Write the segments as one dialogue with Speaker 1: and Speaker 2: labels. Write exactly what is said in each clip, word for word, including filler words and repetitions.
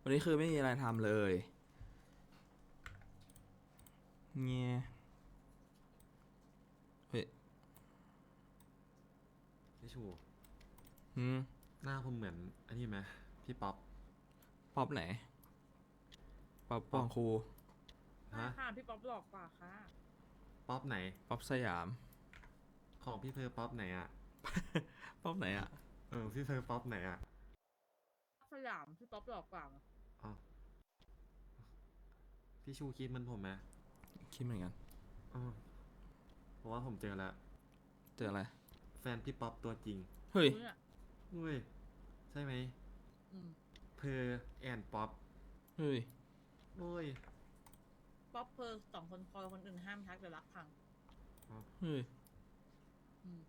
Speaker 1: วันนี้คือไม่มีอะไรทำเลยเงี้ยเฮ้ย
Speaker 2: พี่ชู
Speaker 1: หืม
Speaker 2: หน้าผมเหมือนอันนี้ไหมพี่ป๊อป
Speaker 1: ป๊อปไหนป๊อปป
Speaker 2: ป๊อป
Speaker 1: องครู
Speaker 2: ฮะ
Speaker 3: ไม่ค่ะพี่ป๊อปหลอกกว่าค่ะ
Speaker 2: ป๊อปไหน
Speaker 1: ป๊อปสยาม
Speaker 2: ของพี่เพอร์ป๊อปไหนอ่ะ
Speaker 1: ป๊อปไหนอ่ะ
Speaker 2: เออพี่เพอร์ป๊อปไหนอ่ะ
Speaker 3: สยามพี่ป๊อปหลอกกว่า
Speaker 2: อ๋อพี่ชูคิดเหมันผมไหม
Speaker 1: คิดเหมือนกัน
Speaker 2: อ๋อเพราะว่าผมเจอแล้ว
Speaker 1: เจออะไร
Speaker 2: แฟนพี่ป๊อปตัวจริง
Speaker 1: เฮ้ย
Speaker 3: เนี่ย
Speaker 2: เฮ้ยใช่ไหม
Speaker 3: อืม
Speaker 2: เพอร์แอนป๊อป
Speaker 1: เฮ้ย
Speaker 2: โอ้ย
Speaker 3: ป๊อปเพอร์สองคนพอคนอื่นห้ามทักเดี๋ยวรักพัง
Speaker 2: อ๋อ
Speaker 1: เฮ้ย
Speaker 3: อืม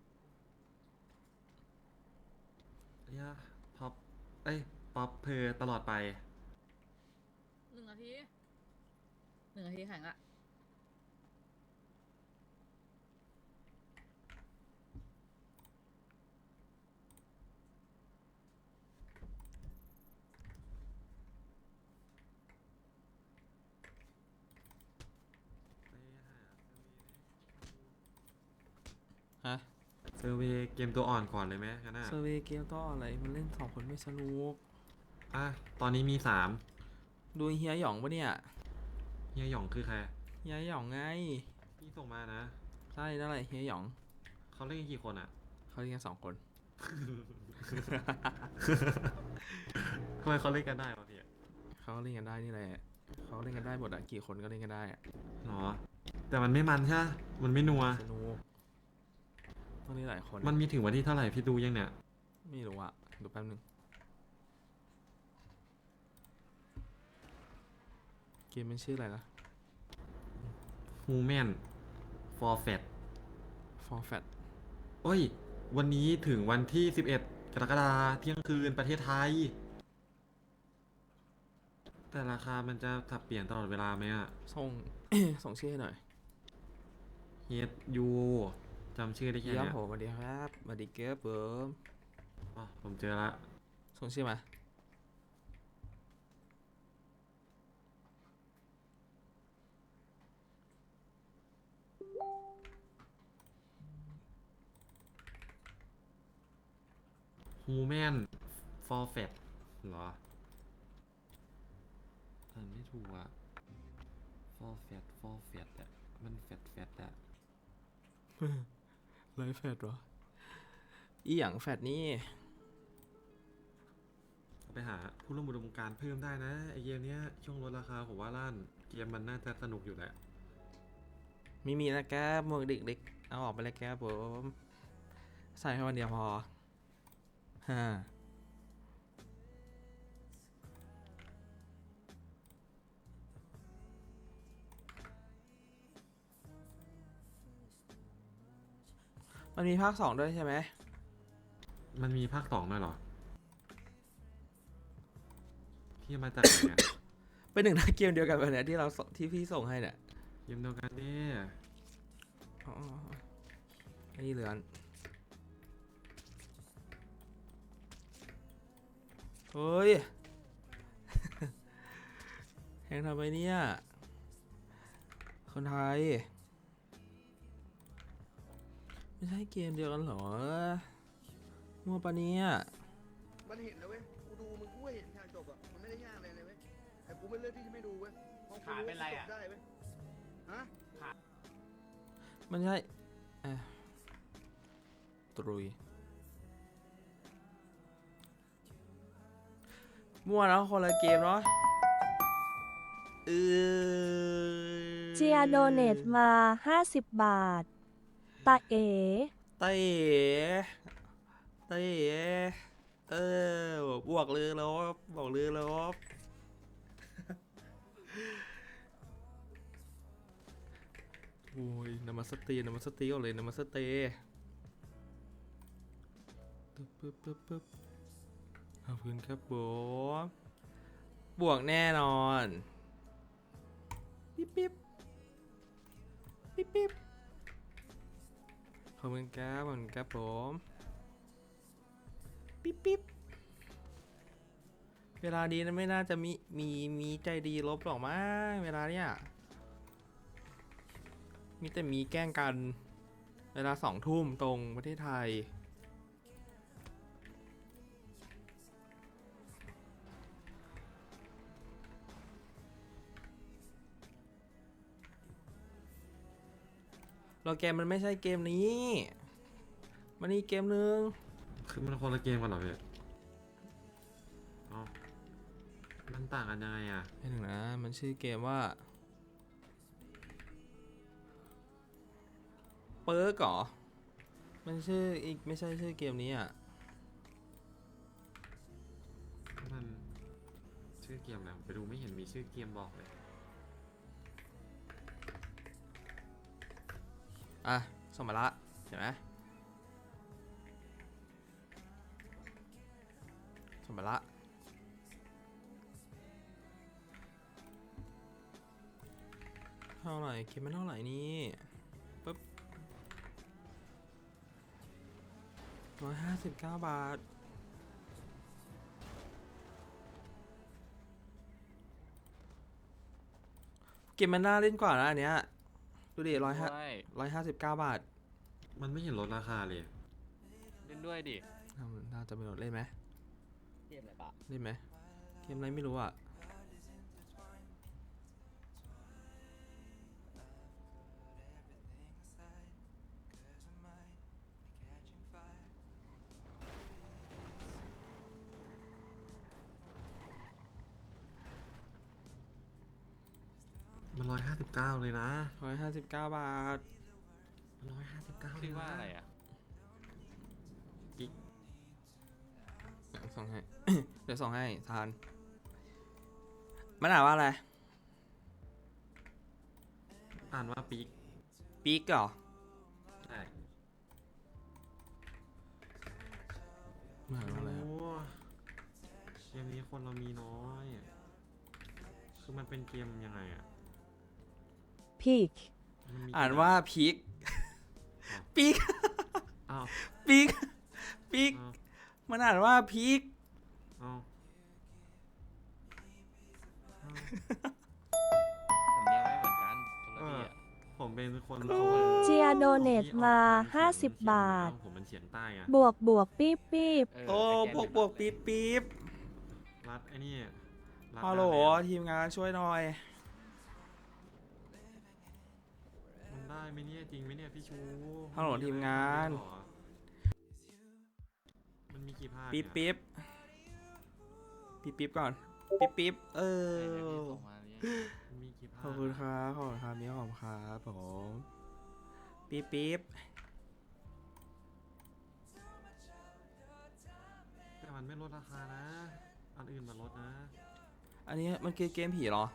Speaker 2: เฮียป๊อปเอ้ยป๊อปเพอร์ตลอดไป
Speaker 3: หนึ่งนาทีหนึ่งนาทีแข่งอะ
Speaker 1: ฮะ
Speaker 2: เซอร์เวย์เกมตัวอ่อนก่อนเลยไหมกันน่ะ
Speaker 1: เซอร์เวย์เกมก็อะไรมันเล่นสองคนไม่สนุก
Speaker 2: อ่ะตอนนี้มีสาม
Speaker 1: ดูเฮียหยองปะเนี่ย
Speaker 2: เฮียหยองคือใคร
Speaker 1: เฮียหยองไง
Speaker 2: พี่ส่งมานะ
Speaker 1: ใช่นั่นแหละเฮียหยอง
Speaker 2: เขาเล่นกันกี่คนอ่ะ
Speaker 1: เขาเล่นกันสองคน
Speaker 2: ทำไมเขาเล่นกันได้วะพี่
Speaker 1: เขาเล่นกันได้นี่แหละเขาเล่นกันได้หมดอะกี่คนก็เล่นกันได้อะ
Speaker 2: หรอ แต่มันไม่มันใช่ไหมมันไม่นัว
Speaker 1: สนุกต้องเล่นหลายคน
Speaker 2: มันมีถึงวันที่เท่าไหร่พี่ดูยังเนี่ย
Speaker 1: ไม่รู้อะดูแป๊บนึงเกมมันชื่ออะไรนะ
Speaker 2: Human for Fat
Speaker 1: For Fat
Speaker 2: โอ้ย วันนี้ถึงวันที่สิบเอ็ดกรกฎาคมเที่ยงคืนประเทศไทย แต่ราคามันจะสับเปลี่ยนตลอดเวลาไหมอะ
Speaker 1: ส่ง ส่งชื่อให้หน่อย
Speaker 2: H U จำชื่อได้แค่
Speaker 1: เยี่ยม
Speaker 2: เนี้ย
Speaker 1: ผมสวัสดีครับสวัสดีเกิร์ฟเบิร์ม
Speaker 2: อ๋อผมเจอละ
Speaker 1: ส่งชื่อมา
Speaker 2: Human for Fat เหรออ่านไม่ถูกอะ for Fat for Fat อะมันแฟตแฟตอะ
Speaker 1: ไลฟ์แฟดเหรออีหยังแฟดนี่
Speaker 2: ไปหาผู้ร่วมอุดมการณ์เพิ่มได้นะไอเกมเนี้ยช่วงลดราคาผมว่าล้านเกมมันน่าจะสนุกอยู่แหละ
Speaker 1: ไม่มีแล้วแกหมวกเด็กๆเอาออกไปเลยแกผมใส่แค่วันเดียวพอฮ่ามันมีภาคสองด้วยใช่ไหม
Speaker 2: มันมีภาคสองด้วยเหรอพี่มาจากไหนเนี่ย
Speaker 1: เป็นหนึ่งในเกมเดียวกันแบบเนี้ยที่เราส่งที่พี่ส่งให้เนี่ย
Speaker 2: เกมเดียวกันเนี่ย
Speaker 1: อ๋ออันนี้เหลือนเฮ้ย แหงทำไมเนี่ย คนไทย ไม่ใช่เกมเดียวกันเหรอมัวปะเนี่ย
Speaker 4: มันเห็นนะเว้ย กูดูมึงกูเห็นฉากจบอ่ะ มันไม่ได้ยากเลยเลยเว้ย แต่กูไม่เลือกที่จะไม่ดูเว้ยเพราะกูรู้ว่าจบได้เว้ย ฮะ
Speaker 1: มันใช่เอ่อตรุยมั่วแล้วคนละเกมเนาะเออ
Speaker 5: เจียโดเนตมา ห้าสิบ บาท ตาเอ๋
Speaker 1: เต้เต้เออบวกเลยแล้วบอกเลยแล้วโอ้ยนามาสเตย์นามาสเตย์ก่อนเลยนามาสเตย์ปึ๊บปึ๊บปึ๊บปึ๊บขอบคุณครับผมบวกแน่นอนปิ๊บปิ๊บปิ๊บปิ๊บขอบคุณครับขอบคุณครับผมปิ๊บปิ๊บเวลานี้นะไม่น่าจะมีมีมีใจดีลบหรอกมั้งเวลาเนี้ยมีแต่มีแกล้งกัน เวลาสองทุ่มตรงประเทศไทย เราเกมมันไม่ใช่เกมนี้ มันนี่เกมนึง
Speaker 2: คือมันคนละเกมกันเหรอพี่เอ้ามันต่างกันยังไงอ่ะ
Speaker 1: ไม่ถึงนะ มันชื่อเกมว่า เปิร์กเหรอ มันชื่ออีกไม่ใช่ชื่อเกมนี้อ่ะ
Speaker 2: มันชื่อเกมอะไรผมไปดูไม่เห็นมีชื่อเกมบอกเลย
Speaker 1: อ่ะส่งมาละเห็นไหมส่งมาละเท่าไหร่เกมมันเท่าไหร่นี่ปึ๊บร้อยห้าสิบเก้าบาท เกมมันน่าเล่นกว่านะอันเนี้ยดูดิร้อยห้า
Speaker 6: ด้วย
Speaker 1: ร้อยห้าสิบเก้าบาท
Speaker 2: มันไม่เห็นลดราคาเลย
Speaker 6: เล่นด้วยดิ
Speaker 1: น่าจะเป็นเล่นไหม
Speaker 6: เกมอะไรปะ
Speaker 1: เล่นไหมเกมอะไรไม่รู้อ่ะ
Speaker 2: มันร้อยห้าสิบเก้าเลยนะ
Speaker 1: ร้อยห้าสิบเก้าบาท
Speaker 2: มันร้อยห้าสิบเก้า
Speaker 6: ชื่อว่าอะไรอ่ะ
Speaker 2: กิ๊ก
Speaker 1: เดี๋ยวส่งให้ เดี๋ยวส่งให้ทาน มันอ่านว่าอะไร
Speaker 2: อ่านว่าปีก
Speaker 1: ปีกเหรอ
Speaker 2: ใช่
Speaker 1: มันอ่านว่าอะไรครับ
Speaker 2: โอ้เกมนี้คนเรามีน้อยอะคือมันเป็นเกมยังไงอ่ะ
Speaker 5: พีก
Speaker 2: มันมี
Speaker 1: อ่านว่าพีก
Speaker 2: อ้าว
Speaker 1: ปีก
Speaker 2: อ้าว
Speaker 1: ปีกปีก
Speaker 2: อ้าว
Speaker 1: มันอ่านว่าพีก
Speaker 2: อ้าวอ้าว
Speaker 6: สำเนียงไม่เหมือนกันคนละที่อ่ะ
Speaker 2: ผมเป็นคน
Speaker 5: เจียโดเนตมา
Speaker 2: ที่ออก
Speaker 5: ห้าสิบ
Speaker 2: เขียน
Speaker 5: บาท
Speaker 2: ผมเป็นเฉียงใต้ไง
Speaker 5: บวกบวกปี๊บปี๊บ
Speaker 6: เออ
Speaker 1: โอ้
Speaker 6: แต่
Speaker 1: บวก
Speaker 6: แ
Speaker 1: บวกปี๊บปี๊บ
Speaker 2: รัดไอ้นี่รัด
Speaker 1: ฮัลโหล
Speaker 2: น้าแม
Speaker 1: ทีมงานช่วยหน่อย
Speaker 2: มันได้ไหมเนี่ยจริงไหมเนี่ยพี่ชู
Speaker 1: ฮัลโหลทีมงาน
Speaker 2: มันมีกี่ภาค
Speaker 1: ปี๊บ
Speaker 2: เนี่ย
Speaker 1: ปี๊บปี๊บปี๊บก่อน ปี๊บปี๊บเอ
Speaker 6: เออ
Speaker 1: อ
Speaker 6: เดี๋ยวพี่ส่งมาเนี่ย
Speaker 2: มันมีกี่ภาค
Speaker 1: ขอบคุณครับขอบคุณครับมีขอบคุณครับผมปี๊บปี๊บ
Speaker 2: แต่มันไม่ลดราคานะ อันอื่นมันลดนะ
Speaker 1: อันนี้มันคือเกมผีเหรอ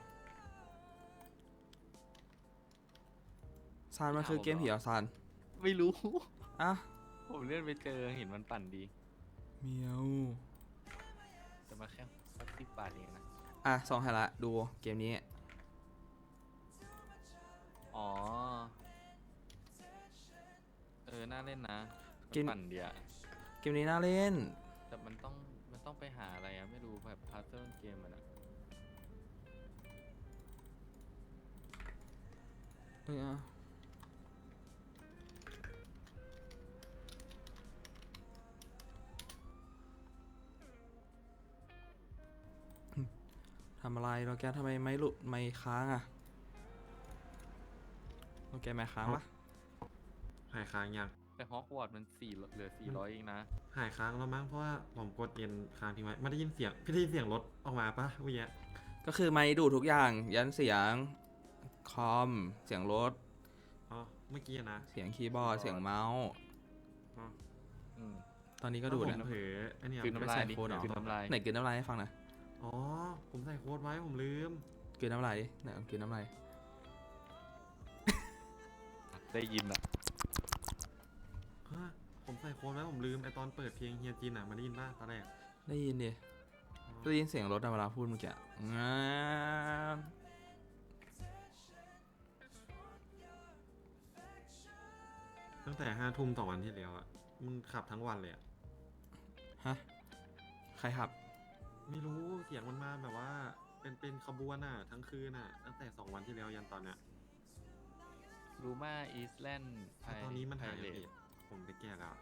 Speaker 1: ซานมันคือเกมผีเหรอซาน
Speaker 6: ไม่รู้
Speaker 1: อ่ะ
Speaker 6: ผมเล่นไปเจอเห็นมันปั่นดี
Speaker 1: เมียว
Speaker 6: แต่มาแค่สักสิบบาทเองนะ
Speaker 1: อ่ะสองให้ละดูเกมนี้
Speaker 6: อ๋อ เออ น่าเล่นนะ
Speaker 1: เกม
Speaker 6: มันปั่นเดียว
Speaker 1: เกมนี้น่าเล่น
Speaker 6: แต่มันต้อง มันต้องไปหาอะไรอะไม่รู้แบบพาร์ทเทิร์นเกมมันอะ
Speaker 1: เอออ่ะทำอะไรเราแกทำไมไม่หลุดไม่ค้างอ่ะเราแกไม่ค้างปะ
Speaker 2: หายค้างยัง
Speaker 6: แต่ฮอกวอตส์มันสี่เหลือสี่ร้อยเองนะ
Speaker 2: หายค้างแล้วมั้งเพราะว่าผมกดเย็นค้างทิ้งไว้ไม่ได้ยินเสียงพี่ได้ยินเสียงรถออกมาปะเมื่อกี้
Speaker 1: ก็คือไม่ดูดทุกอย่าง ยันเสียง คอม เสียงรถ
Speaker 2: อ๋อเมื่อกี้นะ
Speaker 1: เสียงคีย์บอร์ด เสียงเมาส์
Speaker 2: อ๋อ
Speaker 6: อืม
Speaker 1: ตอนนี้ก็ดูด
Speaker 2: แล้
Speaker 1: นะ
Speaker 2: วผมเผลอไอ้เนี่ย
Speaker 6: กลืนน้ำลายดิ
Speaker 1: โคตรเหรอ
Speaker 6: กลืนน้ำลาย
Speaker 1: ไหนกลืนน้ำลายให้ฟังหน่อย
Speaker 2: อ๋อผมใส่โค้ดไว้ผมลืม
Speaker 1: กลืนน้ำลายดิไหนลองกลืนน้ำลาย
Speaker 6: ได้ยินอะ
Speaker 2: ฮะผมใส่โค้ดไว้ผมลืมไอตอนเปิดเพลงเฮียจินอ่ะมาได้ยินป่ะตอนแรก
Speaker 1: ได้ยินดิ
Speaker 2: อ๋อ
Speaker 1: ได้ยินเสียงรถอะเวลาพูดเมื่อกี้งา
Speaker 2: ตั้งแต่ห้าทุ่มต่อวันที่แล้วอ่ะมึงขับทั้งวันเลยอ่ะ
Speaker 1: ฮะ ใครขับ
Speaker 2: ไม่รู้เสียงมันมาแบบว่า เป็นเป็นขบวนอ่ะ ทั้งคืนอ่ะ ตั้งแต่สองวันที่แล้วยันตอนเนี้ย
Speaker 6: รูมาอีสแลนด์ไพ
Speaker 2: แต่ตอนนี้มัน
Speaker 6: ไพ
Speaker 2: หาย
Speaker 6: เร
Speaker 2: ไป
Speaker 6: ต
Speaker 2: ผมไปแก้แล้ว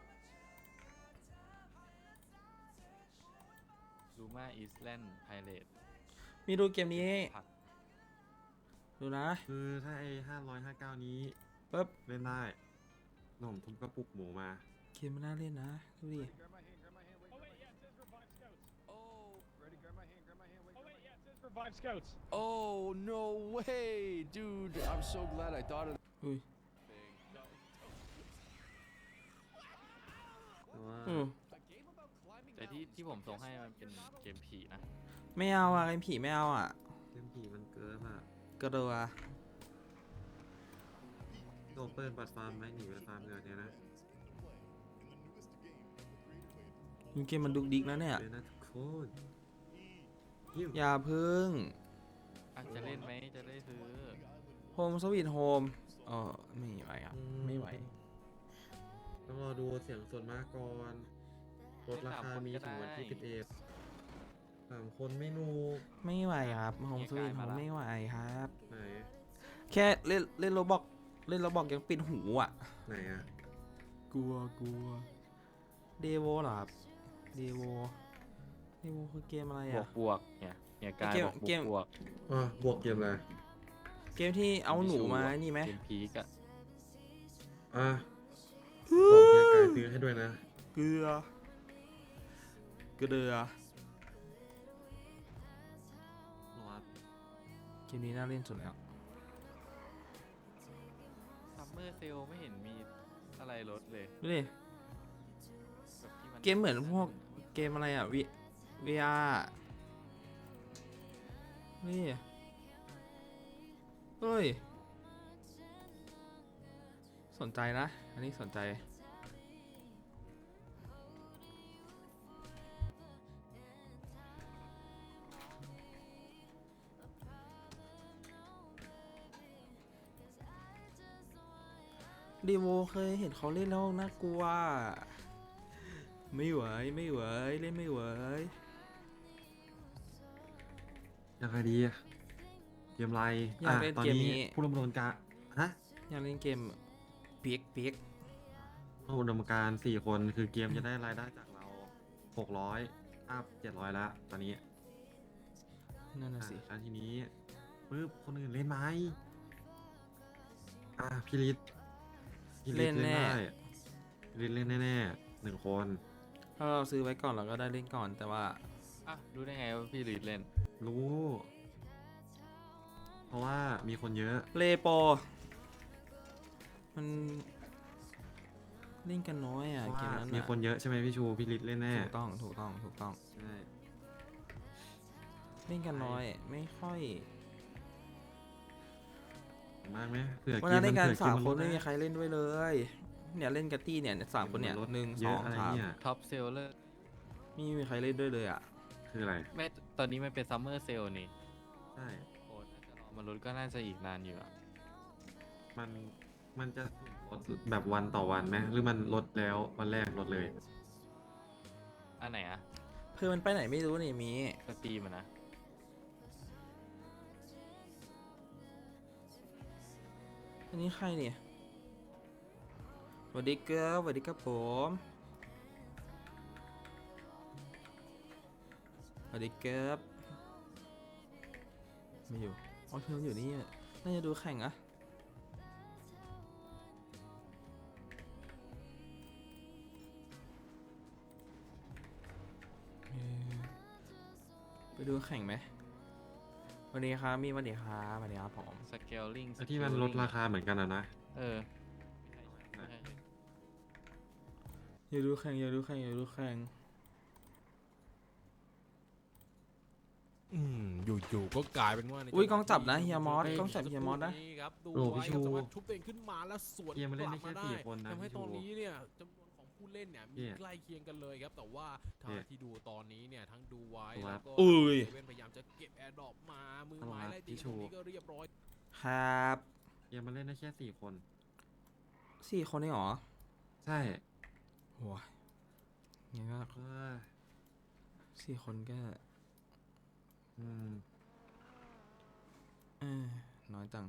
Speaker 6: รูมาอีสแลนด์ไพเรต
Speaker 1: มีดูเกมนี้
Speaker 6: ผัก
Speaker 1: ดูนะ
Speaker 2: คือถ้าไอ้ห้าร้อยห้าเก้านี้
Speaker 1: ปึ๊บ
Speaker 2: เล่นได้หนุ่มทุบกระปุกหมูมา
Speaker 1: เกมมันน่าเล่นนะ ดูดิ
Speaker 7: Five scouts.
Speaker 8: Oh, no way, dude. I'm so glad I thought of
Speaker 1: อุ้ย
Speaker 2: แต่ว่า
Speaker 1: อืม
Speaker 6: แต่ที่ที่ผมส่งให้มันเป็นเกมผีนะ
Speaker 1: ไม่เอาอ่ะเกมผีไม่เอาอ่ะ
Speaker 2: เกมผีมันเกินอ่ะ
Speaker 1: กระโดดอ่ะ
Speaker 2: โดนเปิดปัดฟาร์มไหมหนีไปฟาร์มเงินเนี่ยนะ
Speaker 1: ดูเกมมันดุกดิกนะเนี่ย
Speaker 2: เดี๋ยวนะทุกคนยิ้ม
Speaker 1: อย่าพึ่ง
Speaker 6: อ่ะจะเล่นไหมจะได้ซื้อ
Speaker 1: โฮมสวีทโฮมเออไม่ไหวอ่ะ ไม่ไหว
Speaker 2: ต้องรอดูเสียงส่วนมากก่อนลดราคามีถึงวันที่สิบเอ็ดสามคนไม่นู
Speaker 1: ไม่ไหวครับโฮมสวีทโฮมไม่ไหวครับ
Speaker 2: ไหน
Speaker 1: แค่เล่นเล่นโรบอกเล่นโรบอกยังปิดหูอ่ะ
Speaker 2: ไหนอ่ะ
Speaker 1: กลัวกลัวเดโวเหรอครับเดโวเดโวคือเกมอะไร
Speaker 6: บว
Speaker 1: อ่ะ
Speaker 6: กบวกเนี่ยเนี่ยกาย
Speaker 1: เกม
Speaker 6: บอกบ
Speaker 1: เก
Speaker 6: วก
Speaker 1: ม
Speaker 6: บวก
Speaker 2: อ่ะบวกเกมอะไร
Speaker 1: เกมที่เอาหนูมานี่ไหม
Speaker 6: เกมพีกอะ
Speaker 2: อ่ะบอกเฮียกายซื้อให้ด้วยนะ
Speaker 1: เกลือเกลือ
Speaker 2: รอด
Speaker 1: เกมนี้น่าเล่นสุดแล้ว
Speaker 6: ซัมเมอร์เซลไม่เห็นมีอะไรลดเลย
Speaker 1: ดูดิ
Speaker 6: แบบที่น
Speaker 1: เกมเหมือนพวกเกมอะไรอ่ะวิวีอาร์นี่เฮ้ย สนใจนะ อันนี้สนใจ ดีโวเคยเห็นเขาเล่นแล้วน่ากลัว ไม่ไหว ไม่ไหว เล่นไม่ไหว
Speaker 2: ยังไงดีอะเกมอะไร
Speaker 1: อยากเล่น
Speaker 2: ตอน
Speaker 1: เกม
Speaker 2: นี้
Speaker 1: นี้
Speaker 2: ผู้ดำเนินการฮะ
Speaker 1: อยากเล่นเกมเปียกเปียก
Speaker 2: ผู้ดำเนินการสี่คนคือเกมจะได้รายได้จากเราหกร้อยอัพเจ็ดร้อยละตอนนี้
Speaker 1: นั่นน่ะ
Speaker 2: อ่ะ
Speaker 1: สิ
Speaker 2: แล้วทีนี้ปึ๊บคนอื่นเล่นไหมอ่ะพี่ลิศพี่ลิศ
Speaker 1: เล่นแน่
Speaker 2: ได้พี่ลิศเล่นแน่ๆหนึ่งคน
Speaker 1: ถ้าเราซื้อไว้ก่อนเราก็ได้เล่นก่อน แต่ว่า
Speaker 6: อ่ะรู้ได้ไงว่าพี่ลีดเล่น
Speaker 2: รู้ เพราะว่ามีคนเยอะ
Speaker 1: เลโปมันเล่นกันน้อย
Speaker 2: เพ
Speaker 1: อ่ะ
Speaker 2: ราะ
Speaker 1: เก
Speaker 2: ว่าม
Speaker 1: นั้น
Speaker 2: มี
Speaker 1: อ่ะ
Speaker 2: คนเยอะใช่ไหมพี่ชูพี่ลิศเล่นแน่
Speaker 1: ถูกต้อง ถูกต้อง ถูกต้อง
Speaker 2: ใช่
Speaker 1: เล่นกันน้อย ไม่ค่อย
Speaker 2: เห็นมากไหมเผื่อ
Speaker 1: วัน
Speaker 2: เก
Speaker 1: นั้
Speaker 2: ม
Speaker 1: นใน
Speaker 2: มัน
Speaker 1: การ
Speaker 2: เผื่อเก
Speaker 1: สาม
Speaker 2: มมัน
Speaker 1: คน
Speaker 2: ลด
Speaker 1: ไม่มี
Speaker 2: นะ
Speaker 1: ใครเล่นด้วยเลย เนี่ยเล่นกับตี้เนี่ยสามคนเนี่ย
Speaker 2: กมมัลด
Speaker 1: หนึ่ง
Speaker 2: เย
Speaker 1: สอ
Speaker 2: อะ
Speaker 1: ง
Speaker 2: อะไร
Speaker 1: สาม
Speaker 2: เนี่ย
Speaker 6: ท็อปเซลเลอร์
Speaker 1: ไม่มีใครเล่นด้วยเลยอ่ะ
Speaker 2: คืออะไร
Speaker 6: แม่ตอนนี้มันเป็นซัมเมอร์เซลนี่
Speaker 2: ใช่
Speaker 6: โอ้ถ้าจะรอมาลดก็น่าจะอีกนานอยู่อะ
Speaker 2: มันมันจะลดแบบวันต่อวันไหมหรือมันลดแล้ววันแรกลดเลย
Speaker 6: อันไหนอะ
Speaker 1: เพื่อมันไปไหนไม่รู้นี่มี
Speaker 6: สตรีมอะนะ
Speaker 1: อันนี้ใครเนี่ยสวัสดีครับสวัสดีครับผมสวัสดีครับไม่อยู่อ๋อเธออยู่นี่อะน่าจะดูแข่งอะเอ่อไปดูแข่งไหมสวัสดีครับมีสวัสดีครับสวัสดีครับผม
Speaker 6: สเกลลิง
Speaker 2: ไอ้ที่มันลดราคาเหมือนกันอะนะ
Speaker 6: เออไม่ใช่
Speaker 1: อย่าดูแข่งอย่าดูแข่งอย่าดูแข่ง
Speaker 7: อืมอยู่ๆก็กลายเป็นว่าใน
Speaker 1: อุ้ยกล้องจับนะ
Speaker 7: ที่
Speaker 1: เฮียมอส
Speaker 7: ฮ้
Speaker 1: กล้องจับเฮียมอสนะ
Speaker 7: ครับดู
Speaker 2: โอ้
Speaker 7: ไว้
Speaker 2: พี่
Speaker 7: ครับ
Speaker 2: ชู
Speaker 7: แต่ว่าชุบตัวเองขึ้นมาแล้วสวน
Speaker 2: เกมมันเล่นได้
Speaker 7: กลับ
Speaker 2: แค่
Speaker 7: มา
Speaker 2: สี่คนนะ
Speaker 7: ทำให้
Speaker 2: พี่
Speaker 7: ตอน
Speaker 2: ชู
Speaker 7: นี้เนี่ยจำนวนของผู้เล่นเนี่ยมี
Speaker 2: เนี่ย
Speaker 7: ใกล้เคียงกันเลยครับแต่ว่าทางที่ดูตอนนี้เนี่ยทั้งดูไว้
Speaker 2: ครั
Speaker 7: แล้ว
Speaker 2: บ
Speaker 7: ก็
Speaker 1: อุ้ย
Speaker 7: เซเว่นพยายามจะเก็บแอร์ดรอปมามือ
Speaker 2: ครับ
Speaker 7: ไม้ไล่ตี
Speaker 2: พี่
Speaker 7: ต
Speaker 2: ชู
Speaker 7: รงนี้ก็เรียบร้อย
Speaker 1: ครับ
Speaker 2: เกมมันเล่นได้แค่สี่คน
Speaker 1: สี่คนนี่หรอ
Speaker 2: ใช่
Speaker 1: โหงั้นก็
Speaker 2: เออ
Speaker 1: สี่คนก็
Speaker 2: อืม
Speaker 1: เออน้อยจัง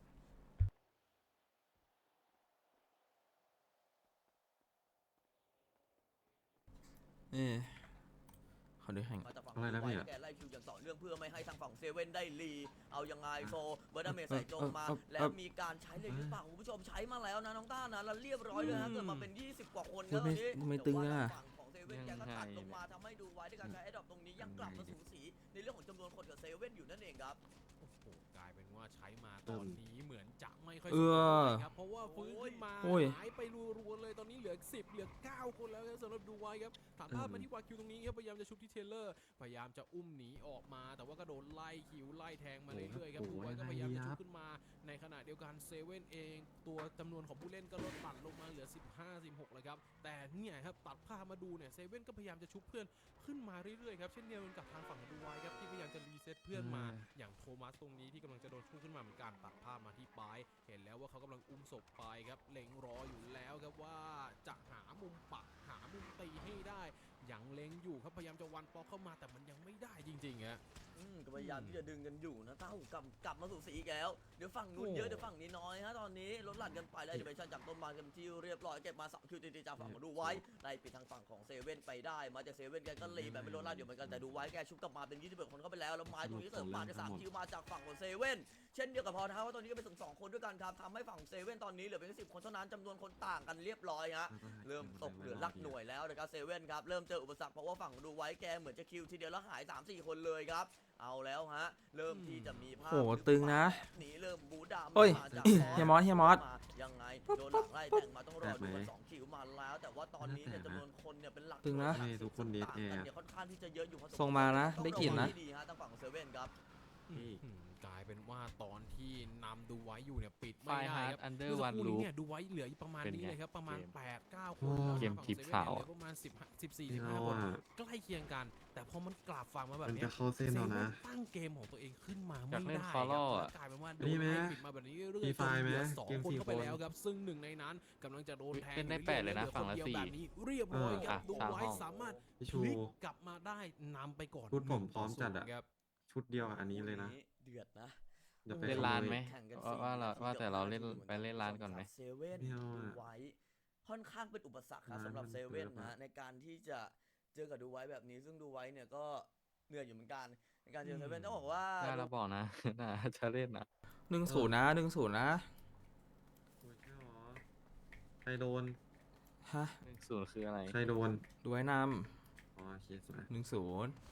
Speaker 1: เออขอดูแข่ง
Speaker 9: มาจากฝั่ง
Speaker 2: อะไรนะ
Speaker 9: ดู
Speaker 2: พี่
Speaker 9: ไว้
Speaker 2: อะ
Speaker 9: แกไล่คิวอย่างต่อเนื่องเพื่อไม่ให้ทางฝั่งเซเว่นได้ลีเอายังไงโซเบอร์ดาเมจใส่โจมมา
Speaker 1: เออเออเออ
Speaker 9: แล้วมีการใช้เลยหรือเปล่าคุณผู้ชมใช้มาแล้วนะน้องต้านะแล้วเรียบร้อยเลยฮะเกิดมาเป็นยี่สิบกว่าคนครับตอนนี้
Speaker 1: ไม่ตึง
Speaker 9: แต่
Speaker 1: อะ
Speaker 9: ว่าทางฝั่งของเซเว่นแกก็ตัดลงมาทำให้ดูไว้ด้วยการใช้ไอ้ดอกตรงนี้ยังกลับมาสูสีในเรื่องของจำนวนคนกับเซเว่นอยู่นั่นเองครับ
Speaker 7: โอ้โหกลายเป็นว่าใช้มาตอนนี้เหมือนจะไม่ค่อย
Speaker 1: เอ
Speaker 7: สม
Speaker 1: อ
Speaker 7: บูรณ์ครับเพราะว่าฟื้นขึ้นมา
Speaker 1: โอ้ย
Speaker 7: หายไปรัวๆเลยตอนนี้เหลือสิบเหลือเก้าคนแล้วครับสำหรับดูไว้ครับถามภาพมาที่วาคิวตรงนี้ครับพยายามจะชุบที่เทเลอร์พยายามจะอุ้มหนีออกมา แต่ว่าก็โดนไล่คิวไล่แทงมาเรื่อยๆครับดูไว้ก็พยายามจะชุบขึ้นมาในขณะเดียวกันเซเว่นเองตัวจำนวนของผู้เล่นก็ลดตัดลงมาเหลือสิบห้า สิบหกแล้วครับแต่เนี่ยครับตัดภาพมาดูเนี่ยเซเว่นก็พยายามจะชุบเพื่อนขึ้นมาเรื่อยๆครับเช่นเดียวกันกับทางฝั่งของดูไว้ครับที่พยายามจะรีเซ็ตเพื่อนมา อย่างโทมัสตรงนี้ที่กำลังจะโดนพุ่งขึ้นมาเหมือนกันตัดภาพมาที่ปลายเห็นแล้วว่าเขากำลังอุ้มศพไปครับเล็งรออยู่แล้วครับว่าจะหามุมปักหามุมตีให้ได้ยังเล็งอยู่ครับพยายามจะวันปอกเข้ามาแต่มันยังไม่ได้จริงๆฮะ
Speaker 9: อืมก็พยายามที่จะดึงกันอยู่นะเต้ากลับกลับมาสู่สีอีกแล้ว เดี๋ยวฝั่งนู้นเยอะเดี๋ยวฝั่งนี้น้อยฮะตอนนี้ลดหลั่นกันไปแล้วเดี๋ยวไปชันจับต้นมากันที่เรียบร้อยเก็บมาสองคิวติดๆจากฝั่งของดูไว้ไล่ปิดทางฝั่งของเซเว่นไปได้มาจากเซเว่นแกก็รีแบบไม่ลดหลั่นอยู่เหมือนกันแต่ดูไว้แกชุบกลับมาเป็นยี่สิบเอ็ดคนเข้าไปแล้วแล้วไม้ตรงนี้เสริมมาจากสามคิวมาจากฝั่งของเซเว่นเช่นเดียวกับพอท้าว่าตอนนี้ก็เป็นถึงสองคนด้วยกันครับทำให้ฝั่งเซเว่นตอนนี้เหลือเพียงสิบคนเท่านั้นจำนวนคนต่างกันเรียบร้อยฮะ เริ่มตกเหลือหลักหน่วยแล้วนะครับเซเว่นครับเริ่มเจออุปสรรคเพราะว่าฝั่งดูไว้แกเหมือนจะคิวทีเดียวแล้วหาย สามสี่ คนเลยครับเอาแล้วฮะเริ่มที่จะมีภาพ
Speaker 1: โหตึงนะ
Speaker 9: หนีเริ่มบูดา
Speaker 1: เฮ้ย
Speaker 9: มาจาก
Speaker 1: เฮียมอสเฮียมอส
Speaker 9: ยังไงโดนหลังไล่แต่งมาต้องรอดูกันสองคิวมาแล้ว แต่ว่าตอนนี้เนี่ยจำนวนคนเนี่ยเป็นหลัก
Speaker 1: ตึงนะ
Speaker 9: หลัก
Speaker 2: ทุกคนดีด
Speaker 9: ต่าง
Speaker 2: แอร์
Speaker 9: กันเนี่ยค่อนข้างที่จะเยอะอยู่พอสมควร
Speaker 1: ส่งมานะ
Speaker 9: ต้อง
Speaker 1: ได้กลิ่นนะ
Speaker 9: ระวังให้ดีฮะทางฝั่งของเซเว่นครับ
Speaker 2: นี่
Speaker 7: อืมกลายเป็นว่าตอนที่นำดูไว้อยู่เนี่ยปิด
Speaker 6: ไฟ
Speaker 7: ไม่ได้
Speaker 6: ฮาร์
Speaker 7: ค
Speaker 6: ด
Speaker 7: รับ
Speaker 6: อันเดอ
Speaker 7: เมื่
Speaker 6: ร์
Speaker 7: อ
Speaker 6: วั
Speaker 7: สัก
Speaker 6: น
Speaker 7: ครู่
Speaker 6: ลู
Speaker 7: นี้
Speaker 6: ป
Speaker 7: เนี่ยดูไว้เหลืออีกประมาณ
Speaker 6: เป็น
Speaker 7: นี้
Speaker 6: ไง
Speaker 7: เลยครับประมาณ
Speaker 6: เกม
Speaker 7: แปด เก้า
Speaker 2: โอ้
Speaker 7: คนแล้ว
Speaker 6: เกม
Speaker 7: ฝั่ง
Speaker 6: ทิป
Speaker 7: ซว่น
Speaker 6: ขาว
Speaker 7: เหลือประมาณสิบ สิบสี่
Speaker 2: ไม่
Speaker 7: สิบห้า
Speaker 2: เอา
Speaker 7: คน
Speaker 2: อะ
Speaker 7: ใกล้เคียงกัน แต่พอมันกลับฝั่งมาแบบ
Speaker 2: มัน
Speaker 7: เนี้
Speaker 2: จะ
Speaker 7: ย
Speaker 2: เข้าเส้น
Speaker 7: เซ
Speaker 2: เอา
Speaker 7: เว่
Speaker 2: นะ
Speaker 7: นตั้งเกมของตัวเองขึ้นมา
Speaker 6: อยา
Speaker 7: ไม่
Speaker 6: กเล่น
Speaker 7: ได้
Speaker 6: Follow
Speaker 7: ครับ
Speaker 6: อะ
Speaker 7: กลายเป็นว่าโด
Speaker 2: นี่
Speaker 7: น
Speaker 2: ไหม
Speaker 7: ไล่ปิดมาแบบนี้เรื่อย
Speaker 2: มี
Speaker 7: ๆ
Speaker 2: ไฟ
Speaker 7: จน
Speaker 2: ไหม
Speaker 7: เหลือสอง
Speaker 2: เกม
Speaker 7: คน
Speaker 2: สี่
Speaker 7: เข้าไป
Speaker 2: คน
Speaker 7: แล้วครับซึ่งหนึ่งในนั้นกำลังจะโดนแทง
Speaker 6: เล่นได้
Speaker 7: อยู่
Speaker 6: แปดเลยนะ
Speaker 7: รื่อๆ
Speaker 6: ฝั่งละ
Speaker 7: หอคนดีว
Speaker 6: สี่
Speaker 7: แบบนี้เรียบร้อยครับ
Speaker 6: อ่ะ
Speaker 7: ดู
Speaker 6: สาม
Speaker 7: ไว้
Speaker 6: ห้อง
Speaker 7: สามารถ
Speaker 2: พี่
Speaker 7: พ
Speaker 2: ชู
Speaker 7: ลิกกลับมาได้นำไปก่อน
Speaker 2: ชุดผม
Speaker 7: หนึ่ง
Speaker 2: พร้อมจัดอะ
Speaker 7: ศูนย์ครับ
Speaker 2: ชุดเดียวอันนี้เลยนะ
Speaker 9: เดือดนะ
Speaker 2: อย่าไป
Speaker 6: เล่น
Speaker 2: ขโม
Speaker 6: ร้าน
Speaker 2: ย
Speaker 6: ไหม
Speaker 9: แข่งกัน
Speaker 6: ว่า
Speaker 9: สี่
Speaker 6: ว่าเรา
Speaker 9: นที
Speaker 6: ว่าแต่เราเล่น
Speaker 9: กับ
Speaker 6: ไปเล่นร้านก่อนไหม
Speaker 9: เซเว่น
Speaker 2: ไม่เอา
Speaker 9: ดู
Speaker 2: อะ
Speaker 9: ไว้ค่อนข้างเป็นอุปสรรคครับ
Speaker 2: ร้าน
Speaker 9: สำหรับ
Speaker 2: มัน
Speaker 9: เซเว่น
Speaker 2: เกิน
Speaker 9: นะฮะในการที่จะเจอกับดูไว้แบบนี้ซึ่งดูไว้เนี่ยก็เหนื่อยอยู่เหมือนกันในการเจอเซเว่นต้องบอกว่า
Speaker 6: ได้เราบอกนะ น่าจะเล่นนะ
Speaker 1: หนึ่งศูนย์นะหนึ่งศูนย์นะ
Speaker 2: โอ้ยใช่หรอใครโดน
Speaker 1: ฮะ
Speaker 6: หนึ่งศูนย์คืออะไร
Speaker 2: ใครโดน
Speaker 1: ดูไว้น
Speaker 2: อ๋อโอเคสวย
Speaker 1: ำหนึ่งศูนย์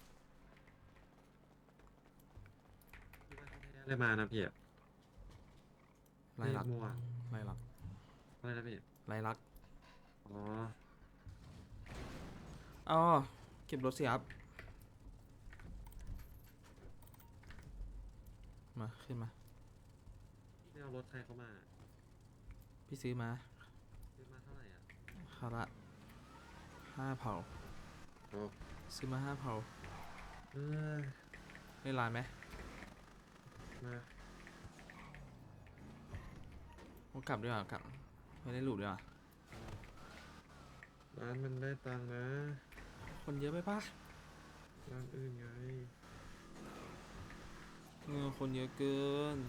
Speaker 2: ได้มานะพี่อะ
Speaker 1: ไล่ลัก
Speaker 2: เลขมั่ว
Speaker 1: ไล่ลัก
Speaker 2: อะไรนะพี่
Speaker 1: ไล่ลัก
Speaker 2: อ๋อ
Speaker 1: อ๋อเก็บรถสิครับ มา ขึ้นมา
Speaker 2: ไม่เอารถใครเข้ามา
Speaker 1: พี่ซื้อมา
Speaker 2: ซื้อมาเท่าไหร่อ่ะ
Speaker 1: คาระห้าเผา
Speaker 2: โอ้
Speaker 1: ซื้อมาห้าเผา
Speaker 2: เออ
Speaker 1: เล่นร้านไหม
Speaker 2: มา
Speaker 1: โอ้กลับดีกว่ากลับ ไม่ได้หลุดดีกว่า
Speaker 2: ร้านมันได้ตังค์นะ
Speaker 1: คนเยอะไปปะ
Speaker 2: ร้านอื่นไง
Speaker 1: เงอคนเยอะเกิน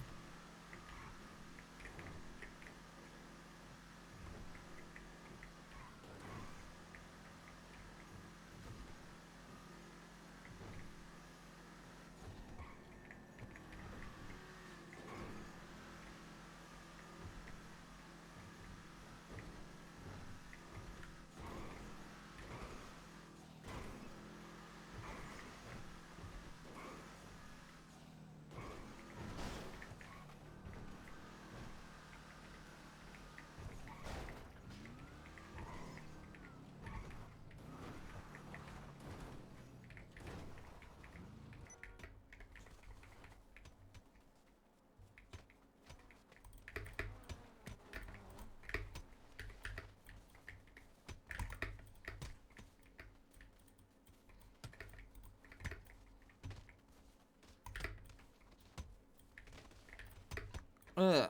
Speaker 1: เออ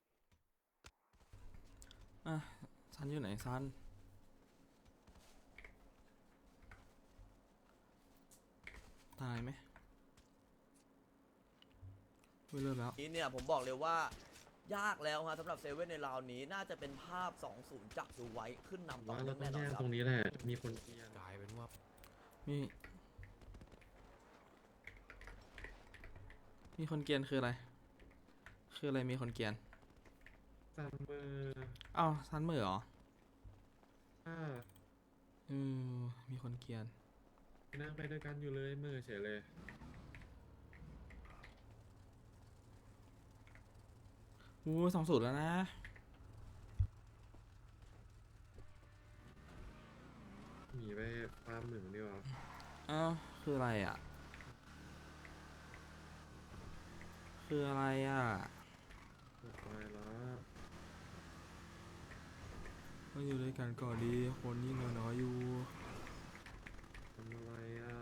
Speaker 1: อ่ะซันอยู่ไหนซันตายไหมไม่เลิกแล้ว
Speaker 9: นี้เนี่ยผมบอกเลยว่ายากแล้วฮะสำหรับเซเว่นในราวนี้น่าจะเป็นภาพ สองศูนย์ จากดูไว้ขึ้นนำต่อ
Speaker 2: ว่า
Speaker 9: เนื่
Speaker 2: เรา
Speaker 9: อง
Speaker 2: ต้อง
Speaker 9: แน่นอน
Speaker 2: แย่ง
Speaker 9: ครั
Speaker 2: ต
Speaker 9: บ
Speaker 2: รงนี้แหละ มีคนเกียร์
Speaker 7: กลายเป็นว่า
Speaker 1: มีมีคนเกรียนคืออะไร คืออะไรมีคนเกรียน
Speaker 2: ซัมเมอร์
Speaker 1: อ้าวซันมือเหรอ
Speaker 2: อ่า
Speaker 1: เออมีคนเกรียน
Speaker 2: นั่งไปด้วยกันอยู่เลยมือเฉยเลย
Speaker 1: อู้สองสูตรแล้วนะ
Speaker 2: หนีไปฟาร์มหนึ่งดีกว่า
Speaker 1: อ้าวคืออะไรอ่ะ คืออะไรอ่ะ
Speaker 2: หมดไปแล้ว
Speaker 1: มาอยู่ด้วยกันก่อนดีคนยิ่งน้อยๆอยู่
Speaker 2: ทำอะไรอ่ะ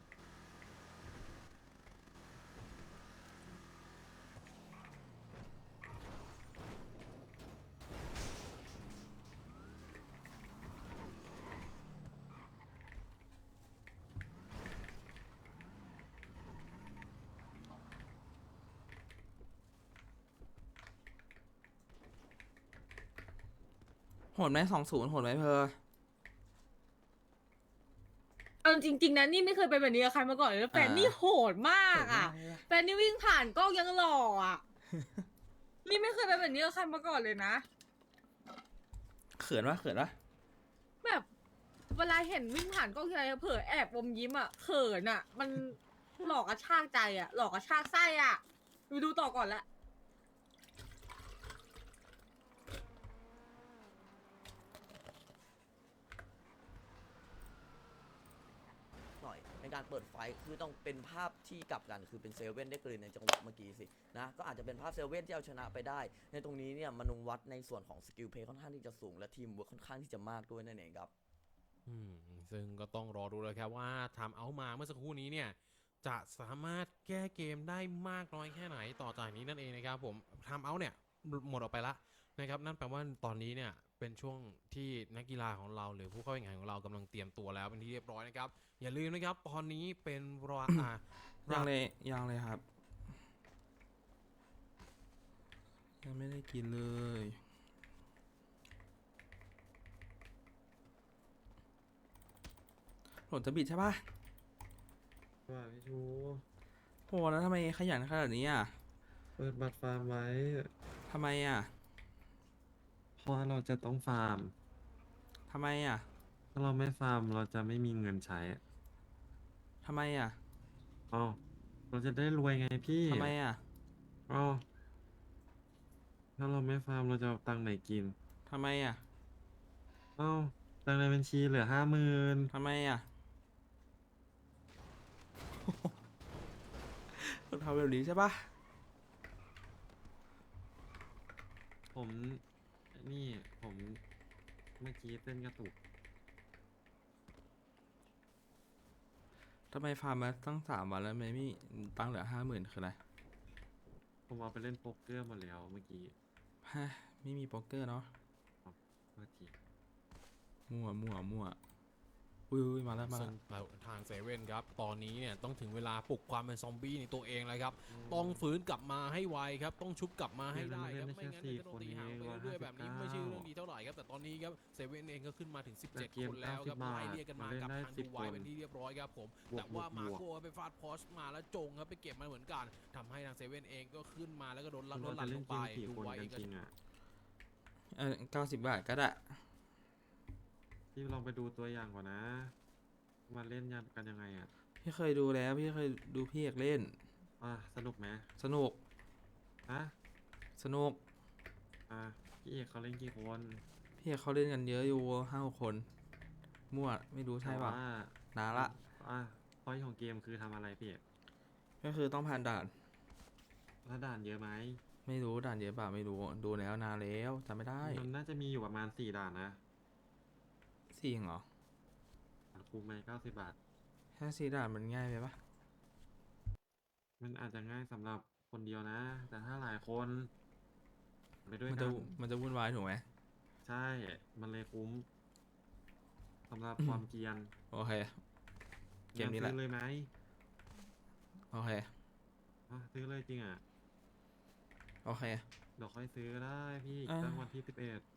Speaker 1: โหดไหมสองศูนย์โหดไหมเพอ
Speaker 3: เอาจริงๆนะนี่ไม่เคยเป็นแบบนี้กับใครมาก่อนเลยแล้วแฟนนี่โหดมากอ่ะแฟนนี่วิ่งผ่านกล้องยังหล่ออ่ะ นี่ไม่เคยเป็นแบบนี้กับใครมาก่อนเลยนะ
Speaker 1: เขินวะเขินวะ
Speaker 3: แบบเวลาเห็นวิ่งผ่านกล้องทีไรเผลอแอบอมยิ้มอ่ะเขินอ่ะ มันหลอกกระชากใจอ่ะ หลอกกระชากไส้อ่ะดูดูต่อก่อนละ
Speaker 9: หน่อยในการเปิดไฟคือต้องเป็นภาพที่กลับกันคือเป็นเซเว่นได้กลืนในจังหวะเมื่อกี้สินะก็อาจจะเป็นภาพเซเว่นที่เอาชนะไปได้ ในตรงนี้เนี่ยมนุวัดในส่วนของสกิลเพย์ค่อนข้างที่จะสูงและทีมเวิร์คค่อนข้างที่จะมากด้วยนั่นเองครับ
Speaker 7: อืมซึ่งก็ต้องรอดูเลยครับว่าทำเอามาเมื่อสักครู่นี้เนี่ยจะสามารถแก้เกมได้มากน้อยแค่ไหนต่อจากนี้นั่นเองนะครับผมทำเอาเนี่ยหมดออกไปละนะครับนั่นแปลว่าตอนนี้เนี่ยเป็นช่วงที่นักกีฬาของเราหรือผู้เข้าแข่งขันของเรากำลังเตรียมตัวแล้วเป็นที่เรียบร้อยนะครับอย่าลืมนะครับตอนนี้เป็นรอ อ่า
Speaker 1: ยังเลยยังเลยครับ ยังไม่ได้กินเลยโหลดจะบิดใช่ปะ
Speaker 2: ว่าพี่ชู
Speaker 1: โหแล้วทำไมขยันขนาดนี้อ่ะ
Speaker 2: เปิดบัตรฟาร์มไว้
Speaker 1: ทำไมอ่ะ
Speaker 2: เพราะว่าเราจะต้องฟาร์ม
Speaker 1: ทำไมอ่ะ
Speaker 2: ถ้าเราไม่ฟาร์มเราจะไม่มีเงินใช้
Speaker 1: ทำไมอ่ะ
Speaker 2: เอ้าเราจะได้รวยไงพี่
Speaker 1: ทำไมอ่ะ
Speaker 2: เอ้าถ้าเราไม่ฟาร์มเราจะเอาตังค์ไหนกิน
Speaker 1: ทำไมอ่ะ
Speaker 2: เอ้าตังค์ในบัญชีเหลือห้าหมื่น
Speaker 1: ทำไมอ่ะ ทำแบบนี้ใช่ปะ
Speaker 2: ผมนี่ผมเมื่อกี้เต้นกระตุก
Speaker 1: ทำไมฟาร์มมาตั้งสามวันแล้วไม่มีตังค์เหลือห้าหมื่นคืออะไร
Speaker 2: ผมเอาไปเล่นโป๊กเกอร์หมดแล้วเมื่อกี้
Speaker 1: ฮะไม่มีโป๊กเกอร์เนาะ
Speaker 2: เมื่อกี้
Speaker 1: มั่วมั่วมั่วอุ้ยอุ้ยมาแล้วมา
Speaker 7: ซึ่
Speaker 1: แล้
Speaker 7: ง
Speaker 1: ว
Speaker 7: ทางเซเว่นครับตอนนี้เนี่ยต้องถึงเวลาปลุกความเป็นซอมบี้ในตัวเองแล้วครับต้องฟื้นกลับมาให้ไวครับต้องชุบกลับมาให้ได้ครับไม่งั้นเดี๋ยวจะโดนตีห่างไปเรื่อยๆแบบนี้ไม่ใช่เรื่องดีเท่าไหร่ครับแต่ตอนนี้ครับเซเว่นเองก็ขึ้นมาถึงสิบเจ็ดคนแล้วครับไล่เรียกกันมากับทางดูไวเป็นที่เรียบร้อยครับผมแต่ว่ามาโก้ไปฟาดพอชมาแล้วจงครับไปเก็บมาเหมือนกันทำให้ทางเซเว่นเองก็ขึ้นมาแล้วก็โดนลัด
Speaker 2: เรา
Speaker 7: ลั
Speaker 2: จะ
Speaker 7: ดล
Speaker 2: เล่น
Speaker 7: ง
Speaker 2: เก
Speaker 7: ไป
Speaker 2: มกี่
Speaker 7: ดู
Speaker 2: คน
Speaker 7: ไว
Speaker 2: กั
Speaker 7: เอน งก็
Speaker 2: จริงอ่ะ
Speaker 1: เออเก้าสิบบาทก็ได้
Speaker 2: พี่ลองไปดูตัวอย่างก่อนนะ มาเล่นยันกันยังไงอ่ะ
Speaker 1: พี่เคยดูแล้วพี่เคยดูพี่เอกเล่น
Speaker 2: อ่ะสนุกไหม
Speaker 1: สนุก
Speaker 2: ฮะ
Speaker 1: สนุก
Speaker 2: อ่ะพี่เอกเขาเล่นกี่คน
Speaker 1: พี่เอกเขาเล่นกันเยอะอยู่ห้าหกคน มั่วไม่รู้ใช่ป่ะ
Speaker 2: แต่ว่าน
Speaker 1: านละ
Speaker 2: อ่ะพอยของเกมคือทำอะไรพี่เอก
Speaker 1: ก็คือต้องผ่านด่าน
Speaker 2: ถ้าด่านเยอะไหม
Speaker 1: ไม่รู้ด่านเยอะเปล่าไม่รู้ดูแล้วนานแล้วจำไม่ได้
Speaker 2: มันน่าจะมีอยู่ประมาณสี่ด่านนะ
Speaker 1: สี่เหรอ
Speaker 2: คุ้มไหมเก้าสิบบาท
Speaker 1: แค่สี่ด่านมันง่ายไปปะ
Speaker 2: มันอาจจะง่ายสำหรับคนเดียวนะ แต่ถ้าหลายคนไปด้วย
Speaker 1: มัน
Speaker 2: กั
Speaker 1: จะ
Speaker 2: น
Speaker 1: มันจะวุ่นวายถูกไหม
Speaker 2: ใช่ มันเลยคุ้มสำหรับความเกรียน
Speaker 1: โอเค เกมนี้แหละ
Speaker 2: งั้ซื้อเลยไหม
Speaker 1: โอเค
Speaker 2: อ่ะซื้อเลยจริงอ่ะ
Speaker 1: โอเค
Speaker 2: เดี๋ยวค่อยซื้อก็ได้พี่อีก
Speaker 1: อ่า
Speaker 2: ตั้งวันที่สิบเอ็ด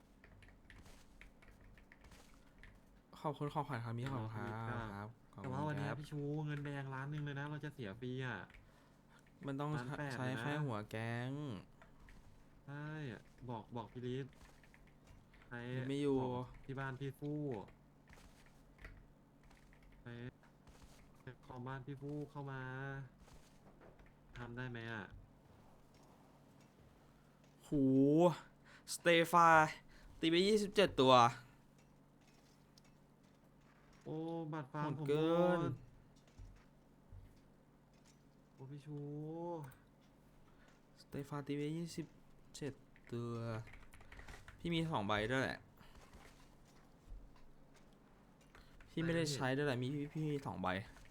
Speaker 1: ขอบคุณของขวัญครับมีขอบคุณครั
Speaker 2: ครับ
Speaker 1: บครับขอบ
Speaker 2: แต่
Speaker 1: คุณ
Speaker 2: ว่าวัน
Speaker 1: ค
Speaker 2: เนี้ย
Speaker 1: รับ
Speaker 2: พี่ชูเงินแดงล้านหนึ่งเลยนะ เราจะเสียฟรีอ่ะ
Speaker 1: มันต้อง
Speaker 2: ล้านแปด
Speaker 1: ใช้
Speaker 2: เลยนะ
Speaker 1: แค่หัวแก๊ง
Speaker 2: ใช่บอกบอกพี่ลิศใช้
Speaker 1: ไม่อยู่
Speaker 2: บอกที่บ้านพี่ฟู่ไปคอมบ้านพี่ฟู่เข้ามาทำได้ไหมอ่ะ
Speaker 1: หูสเตฟาตีไปยี่สิบเจ็ดตัว
Speaker 2: โอ้บัตรฟาร์ม
Speaker 1: โหด
Speaker 2: ผม
Speaker 1: เกิน
Speaker 2: หมดโอ้พี่ชู
Speaker 1: สเตฟาตีไปยี่สิบเจ็ดตัว พี่มีสองใบด้วยแหละ พี่ไม่ได้ใช้ด้วยแหละ มีพี่พี่มีสองใบ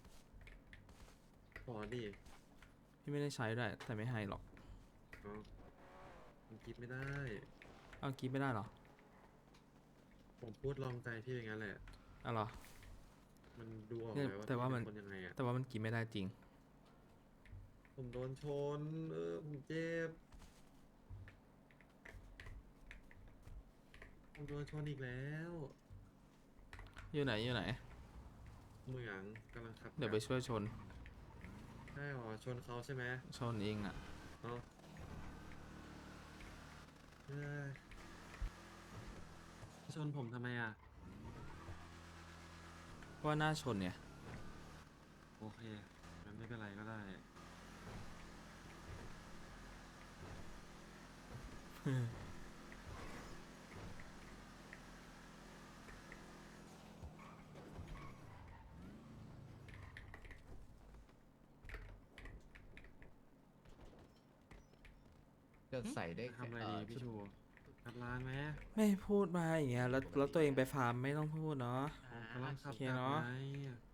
Speaker 2: ขอดิ
Speaker 1: พี่ไม่ได้ใช้ด้วย แต่ไม่ให้หรอก
Speaker 2: เอาผมคิดไม่ได้
Speaker 1: เอากิฟไม่ได้เหรอ
Speaker 2: ผมพูดลองใจพี่อย่างนั้นแหละ
Speaker 1: เอาเหรอ
Speaker 2: มันดูออก
Speaker 1: เนี่ย
Speaker 2: เลยว่า
Speaker 1: แต่ว่า
Speaker 2: พี่
Speaker 1: มัน
Speaker 2: เป็นคนยังไงอ่ะ
Speaker 1: แต่ว่ามันกินไม่ได้จริง
Speaker 2: ผมโดนชน เออผมเจ็บ ผมโดนชนอีกแล้ว
Speaker 1: อยู่ไหนอยู่ไหน
Speaker 2: เมืองกำลังขับ
Speaker 1: เดี๋ยวไปช่วยชน
Speaker 2: ใช่หรอชนเขาใช่ไหม
Speaker 1: ชนเองอ่ะ
Speaker 2: เนาะเอ้ยชนผมทำไมอ่ะ
Speaker 1: เพราะว่าหน้าชนเนี่ย
Speaker 2: โอเคงั้นไม่เป็นไรก็ได้
Speaker 8: จะใส่ได้
Speaker 2: ทำอะไรดีพี่ชูขับร้านไหม
Speaker 1: ไม่พูดมาอย่างเงี้ย แล้วแล้วตัวเองไปฟาร์มไม่ต้องพูดเนาะ
Speaker 2: กำลังขับ
Speaker 1: โอเค
Speaker 2: กลับ
Speaker 1: เนอะ
Speaker 2: ไง